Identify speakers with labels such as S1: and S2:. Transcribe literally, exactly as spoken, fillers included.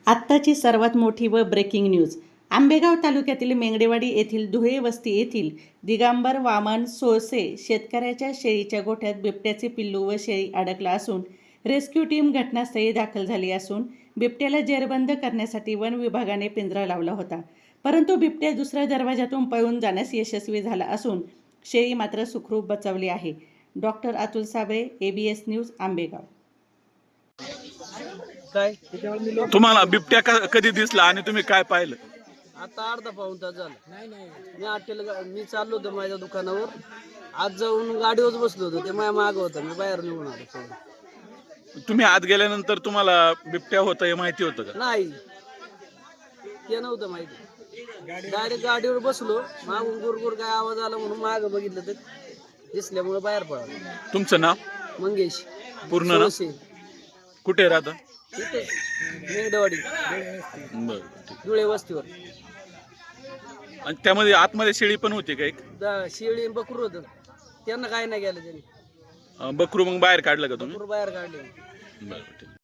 S1: आत्ताची सर्वात मोठी व ब्रेकिंग न्यूज. आंबेगाव तालुक्यातील मेंगडेवाडी येथील धुळे वस्ती येथील दिगंबर वामन सोळसे शेतकऱ्याच्या शेळीच्या गोठ्यात बिबट्याचे पिल्लू व शेळी अडकला असून रेस्क्यू टीम घटनास्थळी दाखल झाली असून बिबट्याला जेरबंद करण्यासाठी वन विभागाने पिंजरा लावला होता. परंतु बिबट्या दुसऱ्या दरवाजातून पळून जाण्यास यशस्वी झाला असून शेळी मात्र सुखरूप बचावली आहे. Doctor Atul Sable, ABS news, Ambegaon.
S2: काय
S3: तुम्हाला बिबट्या क- कधी दिसला आणि तुम्ही काय पाहिलं?
S2: आता अर्धा पाऊण तास झाला. मी हॉटेल मी चाललो होतो माझ्या दुकानावर. आज जाऊन गाडीवर बसलो होतो, ते माझ्या मागं होतं. मी बाहेर निघून आलो पळून.
S3: तुम्ही आत गेल्यानंतर तुम्हाला बिबट्या होतं हे माहिती होतं का?
S2: नाही, ते नव्हतं माहिती. डायरेक्ट गाडीवर बसलो, मागून गुरगुर काय आवाज आला म्हणून मागं बघितलं तर दिसल्यामुळे बाहेर पळालो.
S3: तुमचं नाव?
S2: मंगेश
S3: पूर्ण नाव?
S2: सोळसे.
S3: कुठे राहता?
S2: इथे मेंगडेवाडी
S3: बरं, ठीक.
S2: धुळे वस्तीवर.
S3: आणि त्यामध्ये आतमध्ये शेळी पण होती का एक?
S2: दा- शेळी आणि बकरू होतं, त्यांना काय नाही गेलं. त्यांनी
S3: अं, बकरू मग बाहेर काढलं का तुम्ही?
S2: बकरू बाहेर काढले.
S3: बरं, ठीक.